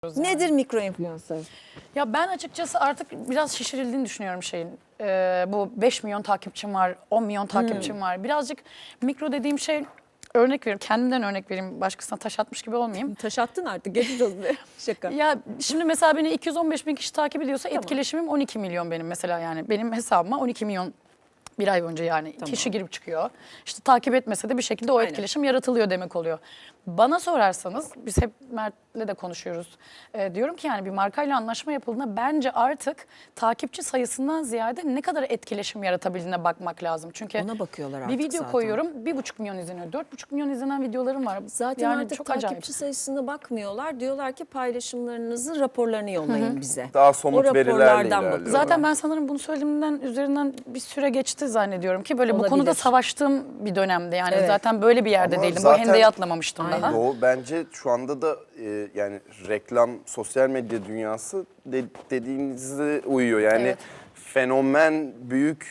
Yani. Nedir mikro influencer? Ya ben açıkçası artık biraz şişirildiğini düşünüyorum şeyin. Bu 5 milyon takipçim var, 10 milyon takipçim var. Birazcık mikro dediğim şey, örnek vereyim, kendimden örnek vereyim, başkasına taş atmış gibi olmayayım. Taş attın artık, geçmiş olsun. Şaka. Ya şimdi mesela beni 215 bin kişi takip ediyorsa etkileşimim 12 milyon benim mesela, yani benim hesabıma 12 milyon bir ay önce yani kişi girip çıkıyor. İşte takip etmese de bir şekilde o etkileşim yaratılıyor demek oluyor. Bana sorarsanız, biz hep Mert'le de konuşuyoruz. Diyorum ki yani bir markayla anlaşma yapıldığında bence artık takipçi sayısından ziyade ne kadar etkileşim yaratabildiğine bakmak lazım. Çünkü Ona bakıyorlar bir artık video zaten. koyuyorum, 1,5 milyon izleniyor. 4,5 milyon izlenen videolarım var. Zaten yani artık çok takipçi acayip. sayısına bakmıyorlar. Diyorlar ki paylaşımlarınızın raporlarını yollayın bize. Daha somut O verilerle raporlardan ilerliyorlar. bakıyorlar. Zaten ben sanırım bunu söylediğimden üzerinden bir süre geçti zannediyorum ki böyle bu Olabilir. konuda savaştığım bir dönemde, yani Evet. zaten böyle bir yerde Ama değildim. Bu zaten- hendeyi atlamamıştım Aynen. daha. Doğu bence şu anda da yani reklam, sosyal medya dünyası dediğinize uyuyor. Yani Evet. fenomen büyük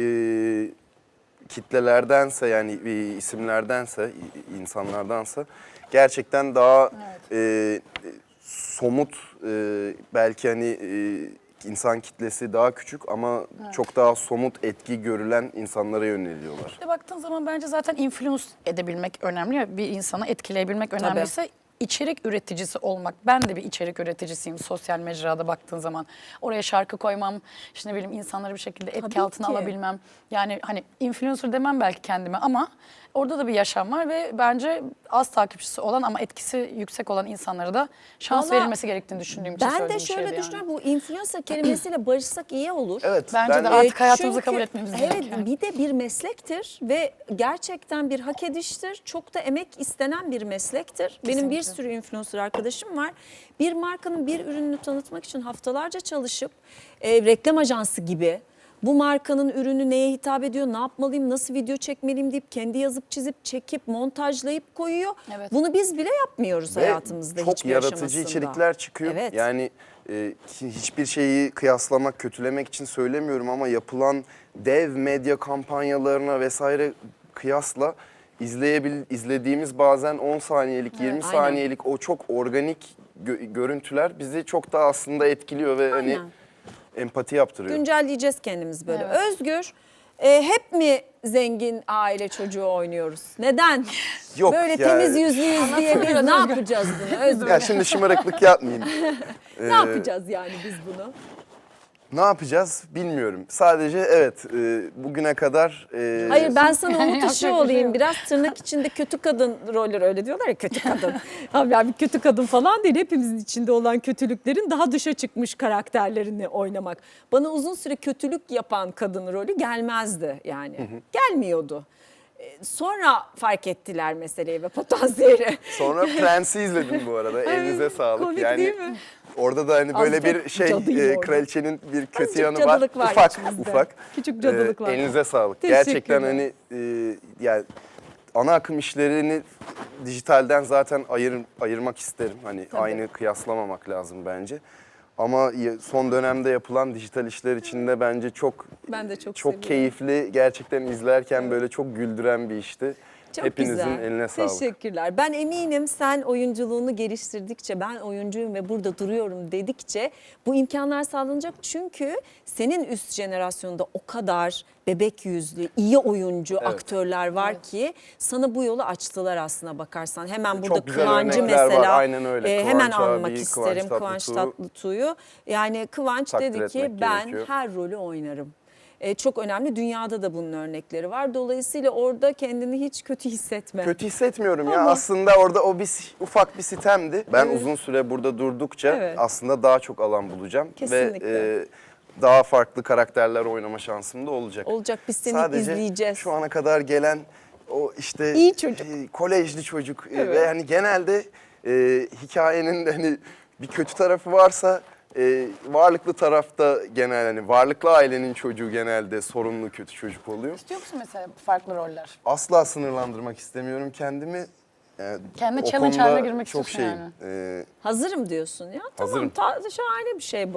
kitlelerdense, yani isimlerdense, insanlardansa gerçekten daha somut, belki hani insan kitlesi daha küçük ama çok daha somut etki görülen insanlara yöneliyorlar. Bir de baktığın zaman bence zaten influence edebilmek önemli ya, bir insanı etkileyebilmek önemliyse içerik üreticisi olmak. Ben de bir içerik üreticisiyim sosyal mecrada baktığın zaman. Oraya şarkı koymam, işte ne bileyim insanları bir şekilde etki Tabii altına ki. alabilmem. Yani hani influencer demem belki kendime ama orada da bir yaşam var ve bence az takipçisi olan ama etkisi yüksek olan insanlara da şans Vallahi verilmesi gerektiğini düşündüğüm için Ben de söylediğim şöyle şeydi yani. düşünüyorum. Bu influencer kelimesiyle barışsak iyi olur. Evet, Bence de ben artık hayatımıza Çünkü, kabul etmemiz evet, gerekiyor. bir de bir meslektir ve gerçekten bir hak ediştir. Çok da emek istenen bir meslektir. Benim bir Kesinlikle. sürü influencer arkadaşım var. Bir markanın bir ürününü tanıtmak için haftalarca çalışıp reklam ajansı gibi bu markanın ürünü neye hitap ediyor, ne yapmalıyım, nasıl video çekmeliyim deyip kendi yazıp çizip çekip montajlayıp koyuyor. Evet. Bunu biz bile yapmıyoruz Ve hayatımızda çok hiçbir yaratıcı aşamasında. içerikler çıkıyor. Evet. Yani hiçbir şeyi kıyaslamak, kötülemek için söylemiyorum ama yapılan dev medya kampanyalarına vesaire kıyasla izlediğimiz bazen 10 saniyelik, 20 aynen. saniyelik o çok organik görüntüler bizi çok daha aslında etkiliyor ve hani Aynen. empati yaptırıyor. Güncelleyeceğiz kendimiz böyle. Evet. Özgür, hep mi zengin aile çocuğu oynuyoruz? Neden? Yok Böyle yani- temiz yüzlüyüz diye biz biraz ne Özgür. yapacağız bunu Özgür? Ya şimdi şımarıklık yapmayayım. Ne yapacağız yani biz bunu? Ne yapacağız bilmiyorum. Sadece evet bugüne kadar... Hayır, ben sana umut Yapacak bir ışığı şey olayım. yok. Biraz tırnak içinde kötü kadın rolleri, öyle diyorlar ya, kötü kadın. Abi yani kötü kadın falan değil. Hepimizin içinde olan kötülüklerin daha dışa çıkmış karakterlerini oynamak. Bana uzun süre kötülük yapan kadın rolü gelmezdi yani. Gelmiyordu. Sonra fark ettiler meseleyi ve potansiyeli. Sonra Prens'i izledim bu arada. Elinize sağlık. komik yani değil mi? orada da hani böyle Azıcık bir şey cadıydı orada. kraliçenin bir kötü Azıcık yanı var. cadılık var Ufak içimizde. ufak. Küçük cadılık var. Elinize sağlık. Teşekkürler. Gerçekten hani yani ana akım işlerini dijitalden zaten ayırmak isterim. Hani aynı kıyaslamamak lazım bence. Ama son dönemde yapılan dijital işler içinde bence çok Ben de çok seviyorum. keyifli, gerçekten izlerken böyle çok güldüren bir işti. Çok Hepinizin güzel. eline sağlık. Teşekkürler. Ben eminim sen oyunculuğunu geliştirdikçe, ben oyuncuyum ve burada duruyorum dedikçe bu imkanlar sağlanacak. Çünkü senin üst jenerasyonda o kadar bebek yüzlü, iyi oyuncu aktörler var ki sana bu yolu açtılar aslına bakarsan. Hemen burada Çok güzel Kıvancı örnekler var, mesela aynen öyle. hemen Kıvanç anmak abi, isterim. Kıvanç Kıvanç Tatlıtuğ. Tatlıtuğ'u. Yani Kıvanç Takdir dedi ki etmek ben gerekiyor. her rolü oynarım. Çok önemli. Dünyada da bunun örnekleri var. Dolayısıyla orada kendini hiç kötü hissetme. Kötü hissetmiyorum ya. Ama- Aslında orada o ufak bir sitemdi. Ben uzun süre burada durdukça Evet. aslında daha çok alan bulacağım. Kesinlikle. Ve daha farklı karakterler oynama şansım da olacak. Olacak, biz seni Sadece izleyeceğiz. şu ana kadar gelen o işte İyi çocuk. kolejli çocuk Evet. ve hani genelde hikayenin de hani bir kötü tarafı varsa varlıklı tarafta genel hani varlıklı ailenin çocuğu genelde sorunlu kötü çocuk oluyor. İstiyor musun mesela farklı roller? Asla sınırlandırmak istemiyorum kendimi. Kendi O challenge konuda haline girmek çok istiyorsun şeyim. yani. Hazırım diyorsun ya. Tamam, Hazırım. şahane bir şey bu.